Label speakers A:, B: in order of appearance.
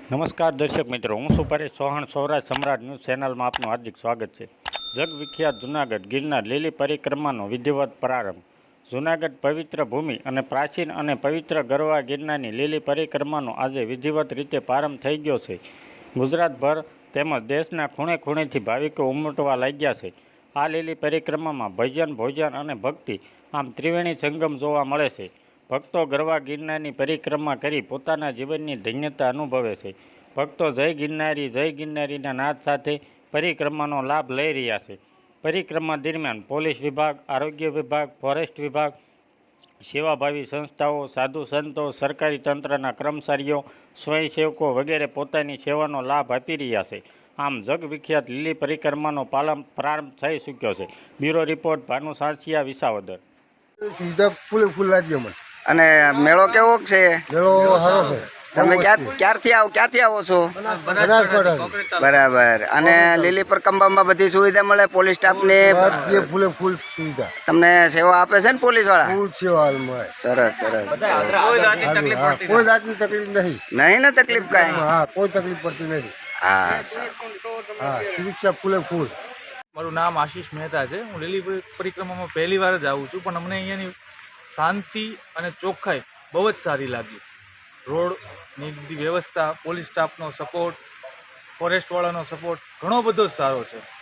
A: નમસ્કાર દર્શક મિત્રો, હું છું પરેશ ચૌહાણ. સૌરાષ્ટ્ર સમ્રાટ ન્યૂઝ ચેનલમાં આપનું હાર્દિક સ્વાગત છે. જગવિખ્યાત જૂનાગઢ ગિરનાર લીલી પરિક્રમાનો વિધિવત પ્રારંભ. જૂનાગઢ પવિત્ર ભૂમિ અને પ્રાચીન અને પવિત્ર ગરવા ગિરનારની લીલી પરિક્રમાનો આજે વિધિવત રીતે પ્રારંભ થઈ ગયો છે. ગુજરાતભર તેમજ દેશના ખૂણે ખૂણેથી ભાવિકો ઉમટવા લાગ્યા છે. આ લીલી પરિક્રમામાં ભજન, ભોજન અને ભક્તિ આમ ત્રિવેણી સંગમ જોવા મળે છે. ભક્તો ગરવા ગિરનારની પરિક્રમા કરી પોતાના જીવનની ધન્યતા અનુભવે છે. ભક્તો જય ગિરનારીના નાદ સાથે પરિક્રમાનો લાભ લઈ રહ્યા છે. પરિક્રમા દરમિયાન પોલીસ વિભાગ, આરોગ્ય વિભાગ, ફોરેસ્ટ વિભાગ, સેવાભાવી સંસ્થાઓ, સાધુ સંતો, સરકારી તંત્રના કર્મચારીઓ, સ્વયંસેવકો વગેરે પોતાની સેવાનો લાભ આપી રહ્યા છે. આમ જગવિખ્યાત લીલી પરિક્રમાનો પ્રારંભ થઈ ચૂક્યો છે. Bureau report, Bhanu Sansiya, Visavadar.
B: સુવિધા ફૂલ લાગ્યો મને.
C: અને મેળો કેવો છે?
B: મેળો સારો છે.
C: તમે ક્યાંથી આવો છો? બરાબર. અને લીલી પરિક્રમામાં બધી સુવિધા મળે? પોલીસ સ્ટાફની
B: ફૂલ સુવિધા
C: તમને સેવા આપે છે ને પોલીસ વાળા?
B: ફૂલ સેવા મળે.
C: સરસ સરસ.
B: કોઈ જાતની તકલીફ નહીં.
C: નહીં ને તકલીફ કાંઈ?
B: હા, કોઈ તકલીફ પડતી નથી.
C: હા
B: હા, સુરક્ષા ફૂલ.
D: મારું નામ આશીષ મહેતા છે. હું લીલી પરિક્રમામાં પહેલી વાર જ આવું છું, પણ અમને અહીંયાની શાંતિ અને ચોખ્ખાઈ બહુ જ સારી લાગી. રોડની બધી વ્યવસ્થા, પોલીસ સ્ટાફનો સપોર્ટ, ફોરેસ્ટવાળાનો સપોર્ટ ઘણો બધો જ સારો છે.